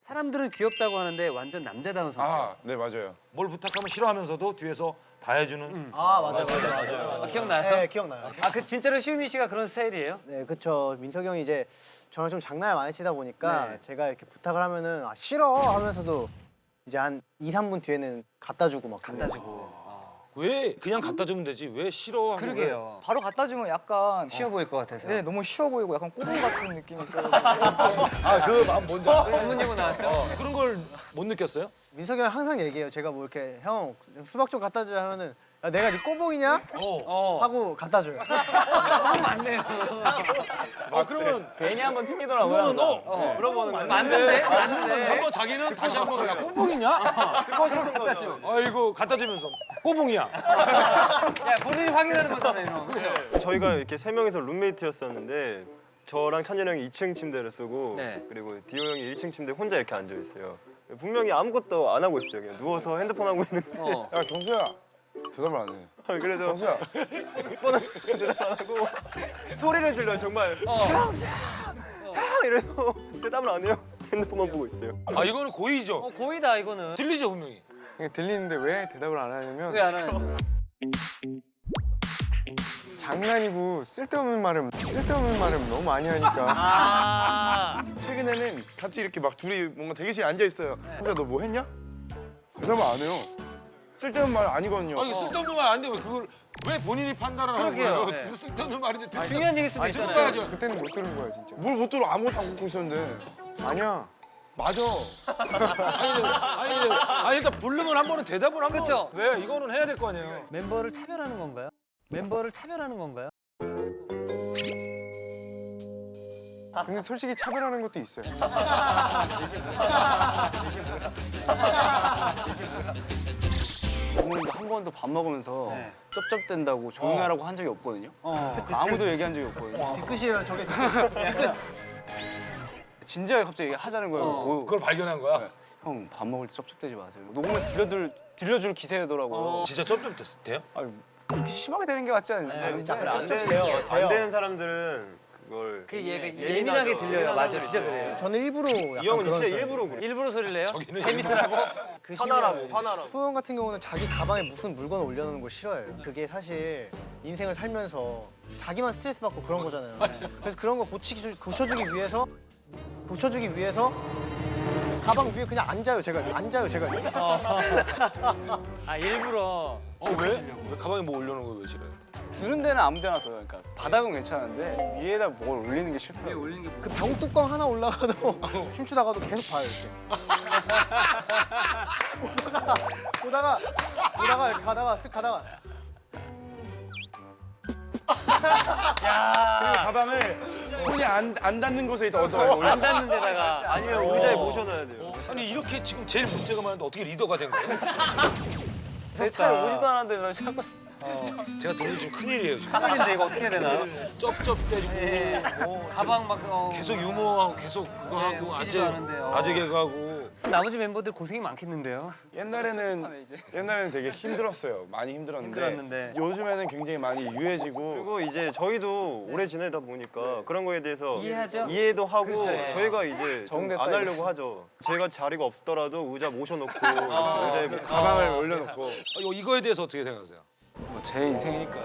사람들은 귀엽다고 하는데 완전 남자다운 성격. 아, 네 맞아요. 뭘 부탁하면 싫어하면서도 뒤에서 다 해주는. 아 맞아요. 아, 기억나요? 네 기억나요. 아, 그 진짜로 시우민 씨가 그런 스타일이에요? 네 그쵸. 민석이 형이 이제 저랑 좀 장난을 많이 치다 보니까 제가 이렇게 부탁을 하면은 아, 싫어 하면서도 이제 한 2, 3분 뒤에는 갖다 주고 막 갖다 주고. 왜 그냥 갖다 주면 되지? 왜 싫어? 그러게요. 바로 갖다 주면 약간 쉬워 보일 것 같아서. 네 너무 쉬워 보이고 약간 꼬붕 같은 느낌이 있어요. 아그 마음 뭔지 알아? 전문 용어 나왔죠? 그런 걸 못 느꼈어요? 민석이 형 항상 얘기해요. 제가 뭐 이렇게 형 수박 좀 갖다 줘야 하면은 야, 내가 네 꼬봉이냐? 하고 갖다 줘요. 맞네요. 아 그러면 괜히 한번 튕기더라고요. 그러면 물어보는 거. 맞는데? 맞는데? 한번 자기는 다시 한번 야 꼬봉이냐? 듣고서 갖다 줘. 아이고 갖다 주면서 꼬봉이야. 야, 본인이 확인하는 거잖아요. 그렇죠? 저희가 이렇게 세 명이서 룸메이트였었는데 저랑 찬열 형이 2층 침대를 쓰고 네. 그리고 디오 형이 1층 침대 혼자 이렇게 앉아 있어요. 분명히 아무것도 안 하고 있어요. 그냥 누워서 핸드폰 하고 있는데 야 경수야 대답을 안 해. 그래서 경수야. 번호 대답 안 하고 소리를 질러요 정말. 경수야, 이래서 대답을 안 해요. 핸드폰만 보고 있어요. 아 이거는 고의죠. 고의다, 이거는. 들리죠 분명히. 들리는데 왜 대답을 안 하냐면 왜 안 하는 장난이고 쓸데없는 말을 너무 많이 하니까 아. 최근에는 같이 이렇게 막 둘이 뭔가 대기실에 앉아 있어요. 경수야 너 뭐 했냐? 대답을 안 해요. 쓸데없는 말 아니거든요. 아 이거 쓸데없는 말 아닌데 왜 그걸 왜 본인이 판단을 하는 그러게요. 거예요? 네. 그 쓸데없는 말인데 중요한 얘기일 수도 있잖아요. 들어봐야죠. 그때는 못 들은 거야 진짜. 뭘 못 들어 아무것도 안 갖고 있었는데. 아니야. 맞아. 아니 일단 부르면 한 번은 대답을 한 번. 그쵸? 왜 이거는 해야 될 거 아니에요? 멤버를 차별하는 건가요? 멤버를 차별하는 건가요? 근데 솔직히 차별하는 것도 있어요. 부모님도 한 번도 밥 먹으면서 네. 쩝쩝댄다고 조용히 하라고 한 적이 없거든요. 아무도 얘기한 적이 없거든요. 뒤끝이에요 저게. 진지하게 갑자기 하자는 거예요. 그걸 발견한 거야? 형 밥 먹을 때 쩝쩝대지 마세요. 녹음을 들려줄 기세더라고요. 진짜 쩝쩝 돼요? 아니, 그렇게 심하게 되는 게 맞지 않는데. 안 되는 사람들은 그걸 그 예민하게 들려요. 맞아, 진짜 그래요. 저는 일부러 이 약간 형은 그런 진짜 편이에요. 일부러 그래. 일부러 소리를 내요? 저기는 재밌으라고? 그 화나라고. 수호 형 같은 경우는 자기 가방에 무슨 물건을 올려놓는 걸 싫어해요. 그게 사실 인생을 살면서 자기만 스트레스 받고 그런 거잖아요. 그래서 그런 거 고쳐주기 위해서 가방 위에 그냥 앉아요 제가. 아, 일부러. 왜? 왜 가방에 뭐 올려놓은 거 왜 싫어요? 두는 데는 아무 데나 둬요. 그러니까 바닥은 괜찮은데 위에다 뭘 올리는 게 싫더라고요. 그 병뚜껑 하나 올라가도 춤추다가도 계속 봐요 이렇게. 보다가 이렇게 가다가 쓱 가다가 그리고 가방을 손이 안 닿는 곳에 얻어요. 안 닿는 데다가. 아니면 의자에 모셔놔야 돼요. 아니 이렇게 지금 제일 문제가 많은데 어떻게 리더가 된 거예요? 제 차에 오지도 않았는데 왜 자꾸 제가 들으면 좀 큰일이에요 지금. 큰일인데 이거 어떻게 해야 되나? 쩝쩝대고 가방 막 계속 유머하고 계속 그거 네, 하고 웃기지도 않은데, 아재 개그하고 나머지 멤버들 고생이 많겠는데요? 옛날에는 되게 힘들었어요. 많이 힘들었는데 힘들었는데. 요즘에는 굉장히 많이 유해지고 그리고 이제 저희도 오래 지내다 보니까 그런 거에 대해서 이해하죠? 이해도 하고 그렇죠, 예. 저희가 이제 좀 정됐다, 안 하려고 하죠. 제가 자리가 없더라도 의자 모셔놓고 의자에 뭐 가방을 올려놓고 이거에 대해서 어떻게 생각하세요? 제 인생이니까.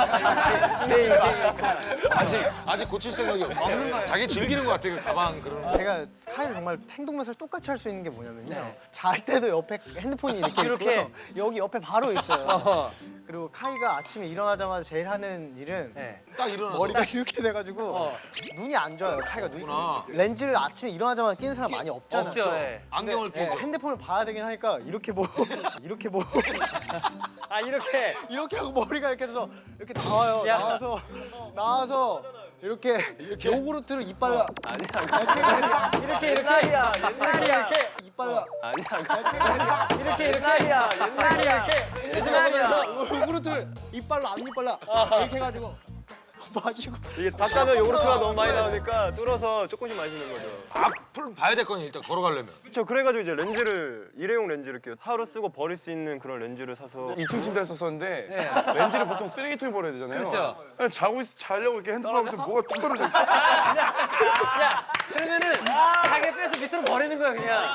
아직 고칠 생각이 없어요. 자기 즐기는 것 같아요 그 가방 그런. 제가 스카이를 정말 행동면서 똑같이 할 수 있는 게 뭐냐면요. 잘 때도 옆에 핸드폰이 이렇게? 있고요. 여기 옆에 바로 있어요. 그리고 카이가 아침에 일어나자마자 제일 하는 일은 네. 딱 일어나서 머리가 이렇게 돼가지고 눈이 안 좋아요. 카이가 눈이 렌즈를 아침에 일어나자마자 끼는 사람 많이 없잖아요. 없죠. 예. 안경을 네, 끼죠. 핸드폰을 봐야 되긴 하니까 이렇게 보고 아, 이렇게. 이렇게 하고 머리가 이렇게 해서 이렇게 나와요. 야. 나와서 이렇게 요구르트를 이빨로 이렇게. 옛날이야. 이렇게. 이빨로 이렇게. 옛날이야. 이렇게. 그래서 먹으면서 요구르트를 이빨로 안 이빨로 이렇게 해가지고 마시고. 이게 닭가면 요구르트가 너무 많이 나오니까 뚫어서 조금씩 마시는 거죠. 앞을 봐야 될 거니 일단 걸어가려면. 그렇죠. 그래가지고 이제 렌즈를 일회용 렌즈를 이렇게 하루 쓰고 버릴 수 있는 그런 렌즈를 사서 2층 침대를 썼었는데 렌즈를 보통 쓰레기통에 버려야 되잖아요. 그렇죠. 그냥 자려고 이렇게 핸드폰 하고 있으면 뭐가 뚝 떨어져 있어. 야, 그러면은 자기 빼서 밑으로 버리는 거야 그냥.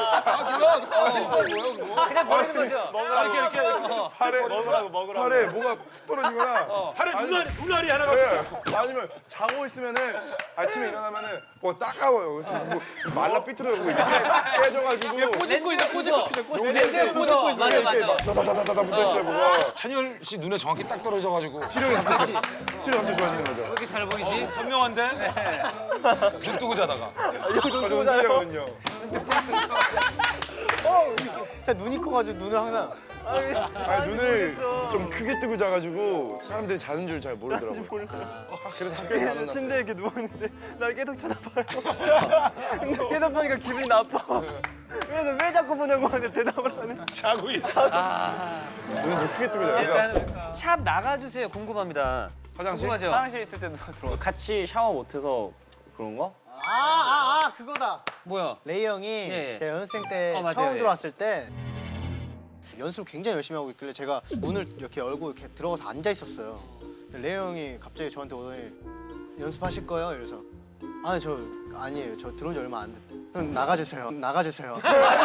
그냥 버리는 거죠. 이렇게 팔에 뭐가 툭 떨어지거나 팔에 눈알이 하나가. 네. 아니면 자고 있으면은 아침에 일어나면은 뭐 따가워요. 그래서 뭐 말라 삐뚤어지고 이렇게 깨져가지고 꼬집고 있어, 꼬집고. 렌즈에 꼬집고 있어. 맞아. 다다다다다 붙어있어요 뭐가. 찬열 씨 눈에 정확히 딱 떨어져가지고. 시력이 갑자기 좋아지는 거죠. 이렇게 잘 보이지? 선명한데? 눈 뜨고 자다가. 저 문제거든요. 눈이 커가지고 눈을 항상. 아니 눈을 좀 크게 뜨고 자가지고 사람들이 자는 줄 잘 모르더라고요. 그래서 학교에 안 왔어요. 침대에 이렇게 누워있는데 날 계속 쳐다봐요. 근데 계속 보니까 기분이 나빠. 그래서 왜 자꾸 보냐고 하는데 대답을 안 해. 자고 있어. 눈을 좀 크게 뜨고 자요. 그래서 샵 나가주세요. 궁금합니다. 화장실? 궁금하죠? 화장실 있을 때 누가 들어와. 같이 샤워 못해서 그런 거? 그거다. 뭐야? 레이 형이 예. 제가 연습생 때 맞아요. 처음 예. 들어왔을 때 연습을 굉장히 열심히 하고 있길래 제가 문을 이렇게 열고 이렇게 들어가서 앉아 있었어요. 근데 레이 형이 갑자기 저한테 오더니 연습하실 거예요? 이래서 아니에요. 저 들어온 지 얼마 안 됐. 그럼 나가주세요. 나가주세요.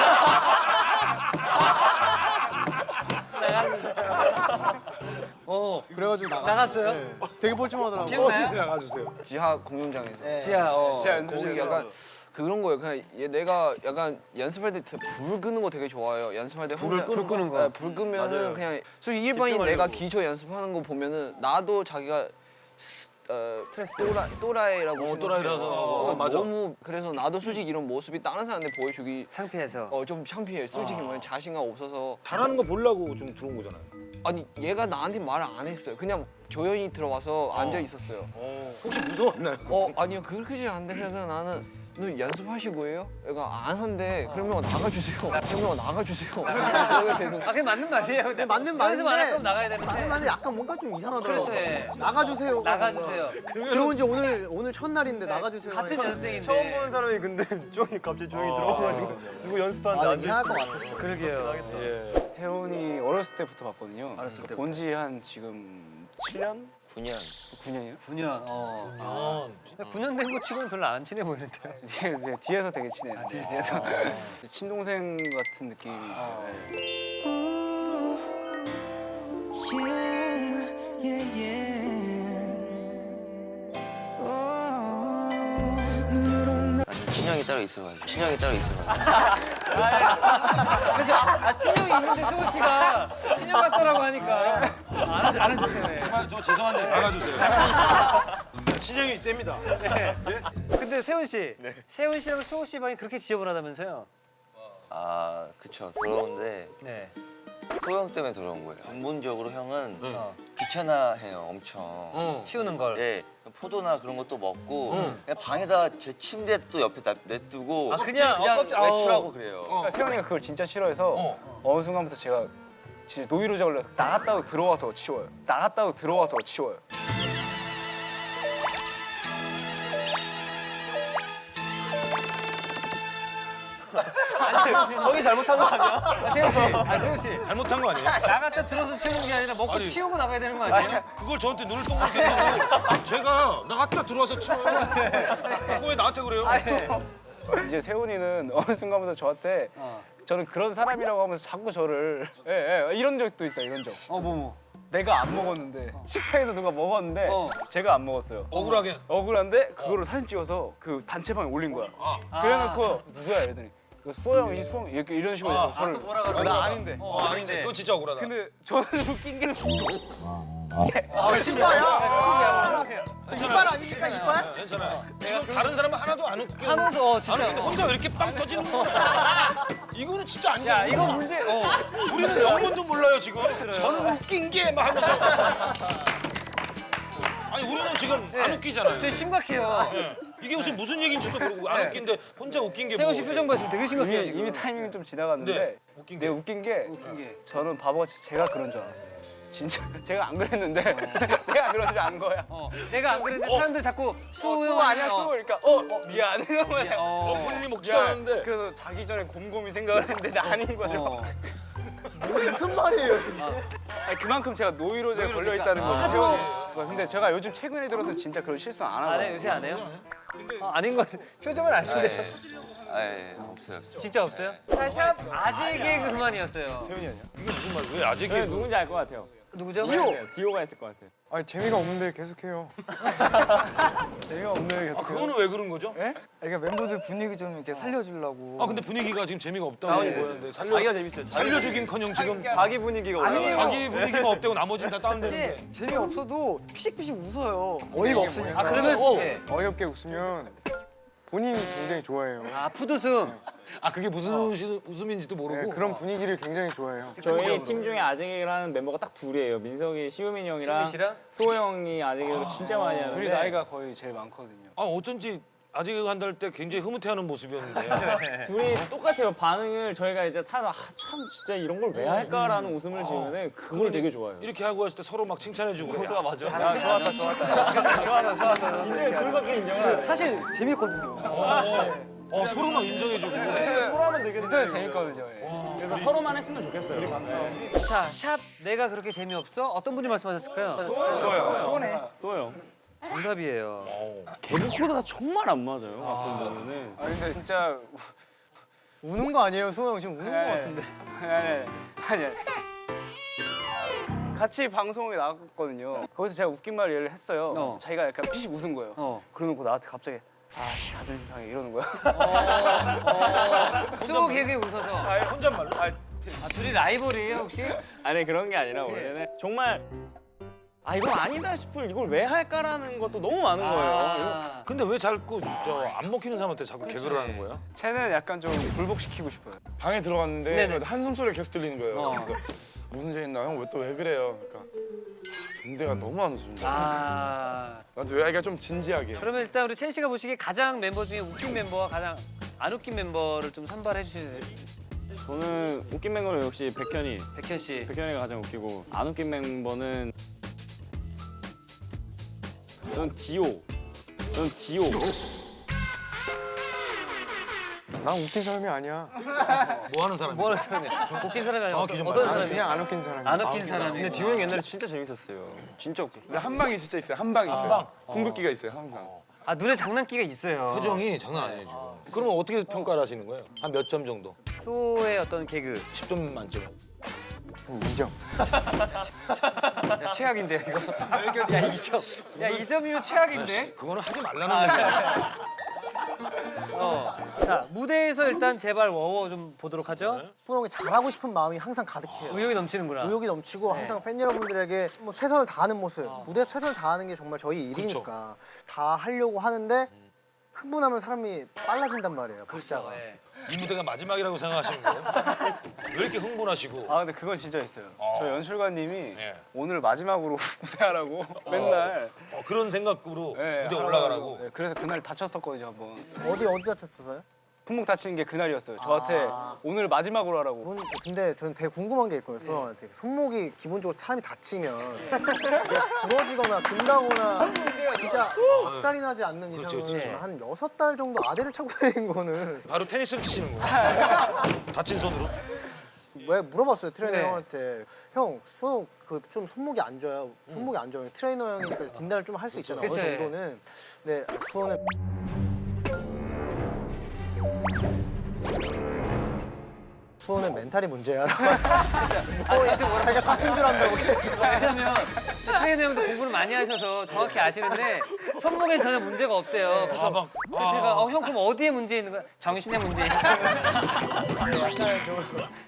그래가지고 나갔어요? 네. 되게 뻘쭘하더라고요. 기억나요? 나가주세요. 지하 공연장에서 지하. 거기 약간 그런 거예요. 그냥 내가 약간 연습할 때 불 끄는 거 되게 좋아해요. 연습할 때 불 끄는 거. 네, 불 끄면은 그냥 솔직히 일반인 내가 기초 연습하는 거 보면은 나도 자기가 스트레스 또라이라고 또라이라서. 맞아. 너무 그래서 나도 솔직히 이런 모습이 다른 사람한테 보여주기 창피해서. 좀 창피해. 솔직히 말하면 자신감 없어서. 잘하는 거 보려고 좀 들어온 거잖아요. 아니 얘가 나한테 말을 안 했어요. 그냥 조용히 들어와서 앉아 있었어요. 혹시 무서웠나요? 아니요 그렇지 않은데 그냥 나는 너 연습하시고요? 얘가 안 한대. 그러면 나가주세요. 그러면 나가주세요. 그러게 되는 그게 맞는 말이에요. 근데 맞는 연습 안 할 말인데 거면 나가야 되는데. 맞는 말인데 약간 뭔가 좀 이상하더라고요. 그렇죠. 예. 나가주세요. 나가주세요. 들어온 지 오늘 첫날인데 나가주세요. 같은 하니까. 연생인데. 처음 보는 사람이 근데 갑자기 조용히 들어와가지고 누구 연습하는데 앉아 이상할 것 있어. 같았어. 그러게요. 세훈이 어렸을 때부터 봤거든요. 어렸을 때부터. 본지 한 지금 7년? 9년이요? 9년. 9년 된 거 치고는 별로 안 친해 보이는데. 뒤에서 되게 친해요. 뒤에서. 친동생 같은 느낌이 있어요. 네. 친형이 따로 있어가지고. 친형이 따로 있어가지고. 그래서 친형이 있는데 수호 씨가 친형 같다라고 하니까 안 해주세요. 네. 정말 저 죄송한데 나가주세요. 신형이 있답니다. 근데 세훈 씨, 세훈 씨랑 수호 씨 방이 그렇게 지저분하다면서요? 아, 그쵸. 더러운데 네. 소형 때문에 더러운 거예요. 근본적으로 형은 귀찮아해요, 엄청. 치우는 걸. 네, 포도나 그런 것도 먹고 그냥 방에다 제 침대 또 옆에 그냥 그냥 외출하고 그래요. 그러니까 세훈이가 그걸 진짜 싫어해서 어느 순간부터 제가 진짜 노이로제 걸려서 나갔다고 들어와서 치워요. 나갔다고 들어와서 치워요. 형이 잘못한 거 아니야? 세훈 씨, 세훈 씨. 잘못한 거 아니에요? 나갔다 들어서 치우는 게 아니라 먹고 아니. 치우고 나가야 되는 거 아니에요? 그걸 저한테 눈을 동그랗게 뜨고 제가 나갔다 들어와서 치워요. 그거 왜 나한테 그래요? 이제 세훈이는 어느 순간부터 저한테 저는 그런 사람이라고 하면서 자꾸 저를 이런 적도 있다 이런 적. 뭐. 내가 안 먹었는데 식탁에서 누가 먹었는데 제가 안 먹었어요. 억울하게. 억울한데 그거를 사진 찍어서 그 단체방에 올린 거야. 그래놓고 누구야 이러더니 수호 형이 수호 형 이렇게 이런 식으로 해서 저를 뭐라 그러고. 나 아닌데. 아닌데 그거 진짜 억울하다. 근데 저는 웃긴 게 신발이야? 이빨 아닙니까 이빨? 괜찮아요. 지금 다른 사람은 하나도 안 웃겨. 한호서 진짜. 근데 혼자 왜 이렇게 빵 터지는 거야? 이거는 진짜 아니잖아. 야, 이거 문제. 우리는 영문도 몰라요 지금. 저는 웃긴 게 막 하면서. 아니 우리는 지금 안 웃기잖아요. 저 심각해요. 이게 무슨 얘기인지도 모르고 안 웃긴데 혼자 웃긴 게 세훈 뭐. 씨 표정 봤으면 되게 심각해요 지금. 이미 타이밍이 좀 지나갔는데 네, 웃긴 게. 웃긴 게 저는 바보같이 제가 그런 줄 알았어요. 진짜 제가 안 그랬는데 내가 그런 줄 안 거야. 내가 안 그랬는데 사람들 자꾸 수호 아니야 수호 그러니까 미안 이런 거야. 본인이 먹지도 않았는데. 그래서 자기 전에 곰곰이 생각을 했는데 아닌 거죠. 무슨 말이에요 이게? 아니, 그만큼 제가 노이로제에 걸려 있다는 거죠. 근데 제가 요즘 최근에 들어서 진짜 그런 실수 안 하고. 안 해요? 요새 안 해요? 아닌 것 같아. 표정은 아닌데. 없어요. 진짜 없어요? 자, 샵 아재 개그 그만이었어요. 태훈이 아니야? 이게 무슨 말? 왜 아직 네, 누군지 알 것 같아요. 누구죠? 디오가 했을 것 같아요. 아니 재미가 없는데 계속해요. 재미가 없는 게 그거는 왜 그런 거죠? 그러니까 멤버들 분위기 좀 이렇게 살려주려고. 아 근데 분위기가 지금 재미가 없다고 보였는데 자기가 재밌어요. 살려주긴커녕 지금 자기 분위기가 올라가. 자기 분위기만 없대고 나머지는 다 다운되는데. 재미가 없어도 피식피식 웃어요. 어이가 없으니까. 아, 그러면 어이없게 웃으면 본인이 굉장히 좋아해요. 아, 푸드숨. 아 그게 무슨 웃음인지도 모르고. 네, 그런 분위기를 굉장히 좋아해요. 저희 팀 중에 아재개그를 하는 멤버가 딱 둘이에요. 민석이, 시우민이 형이랑 씨랑? 수호 형이 아재개그를 진짜 많이 하는데 둘이 나이가 거의 제일 많거든요. 아 어쩐지 아직 한다 할 때 굉장히 흐뭇해하는 모습이었는데. 둘이 똑같아요. 반응을 저희가 이제 참 진짜 이런 걸 왜 할까라는 웃음을 지으면 그걸 되게 좋아해요. 이렇게 하고 했을 때 서로 막 칭찬해주고. 포즈가 맞아. 야, 좋았다. 인정해, 둘밖에 인정을. 사실 재밌거든요. 서로 막 인정해주고. 소라면 되겠네. 있어요 재밌거든요. 그래서 서로만 했으면 좋겠어요. 자, 샵 내가 그렇게 재미없어? 어떤 분이 말씀하셨을까요? 또요. 정답이에요. 개그 코드가 정말 안 맞아요. 가끔 보면은. 아 근데 진짜 우는 거 아니에요 수호 형 지금 우는 거 같은데. 아니. 같이 방송에 나갔거든요. 거기서 제가 웃긴 말 얘를 했어요. 자기가 약간 피식 웃은 거예요. 그러놓고 나한테 갑자기 자존심 상해 이러는 거야. 수호 개그에 웃어서. 혼잣말로? 둘이 라이벌이에요, 혹시? 아니 그런 게 아니라 원래는 정말 이건 아니다 싶을 이걸 왜 할까라는 것도 너무 많은 거예요. 근데 왜 자꾸 안 먹히는 사람한테 자꾸 개그를 하는 거야? 쟤는 약간 좀 굴복시키고 싶어요. 방에 들어갔는데 네네. 한숨 소리가 계속 들리는 거예요. 그래서 무슨 일 있나? 형 왜 그래요? 그러니까 존대가 너무 안 웃어준다. 나도 왜 애가 좀 진지하게. 그러면 일단 우리 첸 씨가 보시기에 가장 멤버 중에 웃긴 멤버와 가장 안 웃긴 멤버를 좀 선발해 주시면 돼요. 저는 웃긴 멤버는 역시 백현이. 백현 씨. 백현이가 가장 웃기고 안 웃긴 멤버는 전 디오. 난 웃긴 사람이 아니야. 뭐 하는 사람이야? 뭐 하는 사람이야? 웃긴 사람이 아니야? 정확히 좀 어떤 말씀해. 사람이야? 그냥 안 웃긴 사람이야. 안 웃긴 사람이. 근데 디오 형 옛날에 진짜 재밌었어요. 진짜 웃겼어. 근데 한 방이 진짜 있어요. 한 방이 있어요. 궁극기가 있어요, 항상. 아, 눈에 장난기가 있어요. 표정이 장난 아니에요 지금. 그러면 어떻게 평가를 하시는 거예요? 한 몇 점 정도? 수호의 어떤 개그. 10점 만점. 2점. 야, 최악인데 이거. 야, 2점. 야, 2점이면 최악인데? 그거는 하지 말라는 얘기야. 자, 무대에서 일단 제발 워워 좀 보도록 하죠. 수호 형이 잘하고 싶은 마음이 항상 가득해요. 의욕이 넘치는구나. 의욕이 넘치고 항상 팬 여러분들에게 뭐 최선을 다하는 모습, 무대에서 최선을 다하는 게 정말 저희 일이니까 다 하려고 하는데 흥분하면 사람이 빨라진단 말이에요. 박자가. 이 무대가 마지막이라고 생각하시는 거예요? 왜 이렇게 흥분하시고? 근데 그건 진짜 있어요. 저 연출관님이 예. 오늘 마지막으로 무대하라고 맨날 그런 생각으로 예, 무대 하라고 올라가라고. 하고. 예, 그래서 그날 다쳤었거든요 한번. 어디 다쳤어요? 품목 다치는 게 그날이었어요. 저한테 오늘 마지막으로 하라고. 근데 저는 되게 궁금한 게 있거든요. 수호한테. 손목이 기본적으로 사람이 다치면 이게 부러지거나 금다거나 진짜 박살이 나지 않는 이상은 한 6달 정도 아대를 차고 다니는 거는 바로 테니스를 치시는 거예요? 다친 손으로? 왜 물어봤어요 트레이너 네. 형한테. 형 수호 좀 손목이 안 좋아요. 손목이 안 좋아요. 트레이너 형이 그 진단을 좀 할 수 있잖아요. 어느 그치. 정도는. 근데 수호는 수호는 멘탈이 문제야라고. 자기가 다친 줄 안다고. 왜냐면 트레이너 형도 공부를 많이 하셔서 정확히 아시는데 손목엔 전혀 문제가 없대요. 그래서 제가 형 그럼 어디에 문제 있는 거야? 정신에 문제 있어. 약간 좀